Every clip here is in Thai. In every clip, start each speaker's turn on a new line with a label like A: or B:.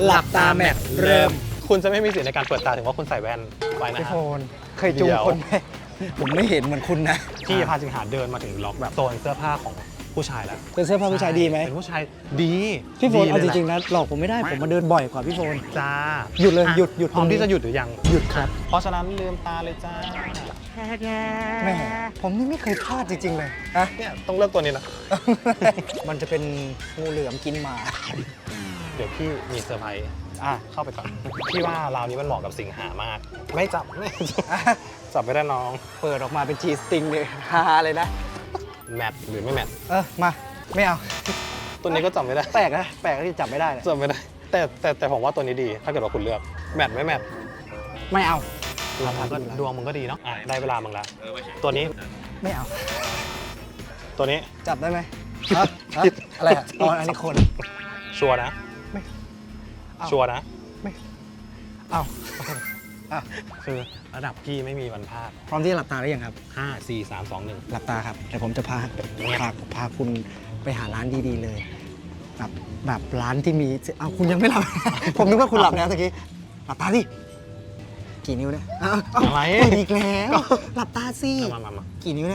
A: หลับตาแมทเริ่ม
B: คุณจะไม่มีสิทธิ์ในการเปิดตาถึงว่าคุณใส่แว่นไปนะ
A: พี่
B: ฮะ
A: โฟนเคยจูงคนไหมผมไม่เห็นเหมือนคุณนะ
B: พี่พาสิงหาเดินมาถึงล็อกแบบโซนเสื้อผ้าของผู้ชายแล้ว
A: เป็นเสื้อผ้าผู้ชายดีไหม
B: เป็นผู้ชายดี
A: พี่โฟนเอาจริง
B: ๆ
A: ๆนะหลอกผมไม่ได้ผมมาเดินบ่อยกว่าพี่โฟน
B: จ้า
A: หยุดเลย
B: อ่ะ
A: หยุด
B: พร้อม
A: ตรงนี้
B: ที่จะหยุดหรือยัง
A: หยุดครับ
B: เพราะฉะนั้นลืมตาเลยจ้า
A: แม่ผมนี่ไม่เคยพลาดจริงๆเลยฮะ
B: เนี่ยต้องเลือกตัวนี้นะ
A: มันจะเป็นงูเหลือมกินหมา
B: เดี๋ยวพี่มีเซอร์ไพรส์เข้าไปก่อนพี่ว่าราวนี้มันเหมาะกับสิงหามาก ไม่จับไม่จับไม่ได้น้อง
A: เปิดออกมาเป็นจีสติงเลยฮาเลยนะ
B: แมทหรือไม่แมท
A: มาไม่เอา
B: ตัวนี้ก็จับไม่ได้
A: แปลกนะแปลกที่จับไม่ได้เลย
B: จับไม่ได้แต่ผมว่าตัวนี้ดี ถ้าเกิดว่าคุณเลือกแมทไม่แมท
A: ไม่เอา
B: ดวงมึงก็ดีเนาะได้เวลามึงละตัวนี้
A: ไม่เอา
B: ตัวนี้
A: จับได้ไหมอะไรอ่ะอ๋ออันนี้คน
B: ชัวร์นะ
A: ไม่เอา
B: ชัวร์นะ
A: เอาอ่ะ
B: คือระดับพี่ไม่มีวันพลาด
A: พร้อมที่จะหลับตาหรือยังครับ
B: 5 4 3 2 1
A: หลับตาครับแต่ผมจะพาคุณไปหาร้านดีๆเลยแบบร้านที่มีเอาคุณยังไม่หลับ ผมนึกว่าคุณหลับแล้วตะกี้หลับตาดิกี่นิ้วเนี่ยเอา
B: อะไร
A: อีกแล้วหลับตาสิ
B: มา
A: กี่นิ้วเนี่ย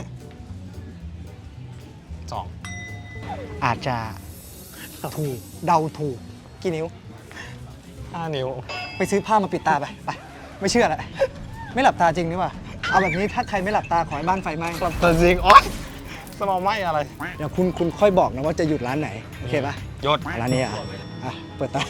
B: สอง
A: อาจจะถูกเดาถูกกี่นิ้ว
B: 5 นิ้ว
A: ไปซื้อผ้ามาปิดตาไปไม่เชื่อแหละไม่หลับตาจริงหรือเปล่าเอาแบบนี้ถ้าใครไม่หลับตาขอให้บ้านไฟไหม้
B: แต่จริงโอ๊ยสมองไหมอะไร
A: เดี๋ยวคุณค่อยบอกนะว่าจะหยุดร้านไหนโอเคปะ
B: หยด
A: ร้านนี้เปิดตา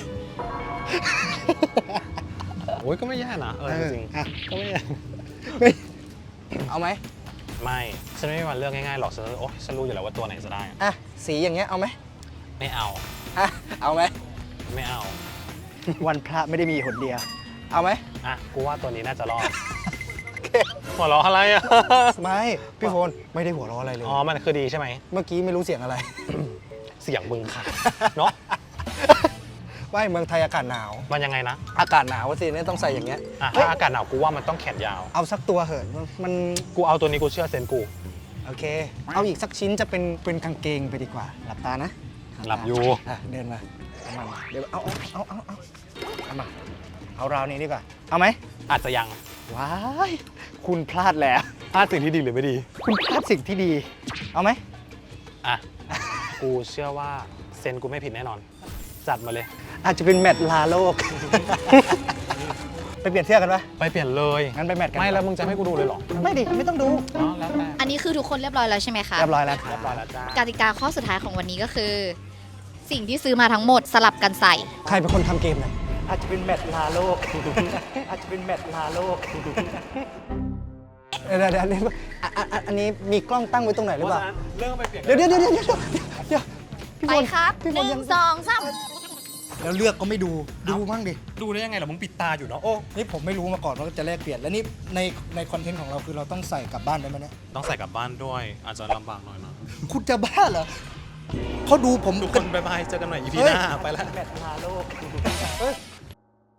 B: โอ้ยก็ไม่แย่นะจริง
A: อ่ะ
B: ก็ไม่แย่
A: เอาไหม
B: ไม่ฉันไม่มีวันเลือกง่ายๆหรอกฉันรู้อยู่แล้วว่าตัวไหนจะได้
A: อ่ะสีอย่างเงี้ยเอาไหม
B: ไม่เอา
A: เอาไหม
B: ไม่เอา
A: วันพระไม่ได้มีหนเดียวเอาไหม
B: กูว่าตัวนี้น่าจะรอดหัวเราะอะไรอ่ะ
A: ไม่พี่โฟนไม่ได้หัวเราะอะไรเลย
B: อ๋อมันคือดีใช่ไหม
A: เมื่อกี้ไม่รู้เสียงอะไร
B: เสียงมึงค่ะเนาะ
A: ว่าเมืองไทยอากาศหนาว
B: มันยังไงนะ
A: อากาศหนาวสิเนี่ยต้องใส่อย่างเงี้ย
B: ถ้าอากาศหนาวกูว่ามันต้องแขนยาว
A: เอาสักตัวเหอะมัน
B: กูเอาตัวนี้กูเชื่อเซนกู
A: โอเค เอาอีกสักชิ้นจะเป็นกางเกงไปดีกว่าหลับตานะ
B: หลับอยู่
A: เดินมาเอามาเดี๋ยวเอามาเอาราวนี้ดีกว่าเอาไหม
B: อาจจะยัง
A: ว้ายคุณพลาดแล้ว
B: พลาดสิ่งที่ดีหรือไม่ดี
A: คุณพลาดสิ่งที่ดี เอาไหม
B: กูเชื่อว่าเซนกูไม่ผิดแน่นอน จัดมาเลย
A: อาจจะเป็นแมตช์ลาโลก ไปเปลี่ยนเสื้อกันปะ
B: ไปเปลี่ยนเลย
A: งั้นไปแมตช์กัน
B: ไม่แล้วมึงจะให้กูดูเลยเหรอ
A: ไม่ดิไม่ต้องดู
B: อ๋อแล้วแต่
C: อันนี้คือทุกคนเรียบร้อยแล้วใช่ไหมคะ
A: เรียบร้อยแล้วครับ
B: เรียบร้อยแล้วจ้าก
C: ติกาข้อสุดท้ายของวันนี้ก็คือ สิ่งที่ซื้อมาทั้งหมดสลับกันใส่
A: ใครเป็นคนทำเกมเนี่ยอาจจะเป็นแมตช์ลาโลก อาจจะเป็นแมตช์ลาโลก เดี๋ยวอันนี้มีกล้องตั้งไว้ตรงไหนหรือเปล่า
B: เรื่องไปเปลี่ยน
A: เดี๋ยวพี่
C: ไป
A: บอล
C: ครับ
A: พี่
C: ห
A: บอล
C: นึ่
A: ยัง
C: งสองสาม
A: แล้วเลือกก็ไม่ดูมั่งดิ
B: ดูได้ยังไงล่ะมึงปิดตาอยู่เนาะ
A: โอ้นี่ผมไม่รู้มาก่อนว่าจะแลกเปลี่ยนแล้วนี่ในคอนเทนต์ของเราคือเราต้องใส่กลับบ้านได้ไหมเนี่ย
B: ต้องใส่กลับบ้านด้วย อาจจะลำบากหน่อยนะ
A: คุณจะบ้าเหรอเขาดูผม
B: ทุกคนบายบายเจอกันใหม่ EP หน้าไปแล้ว
A: แมตช์ลาโลกเฮ้ย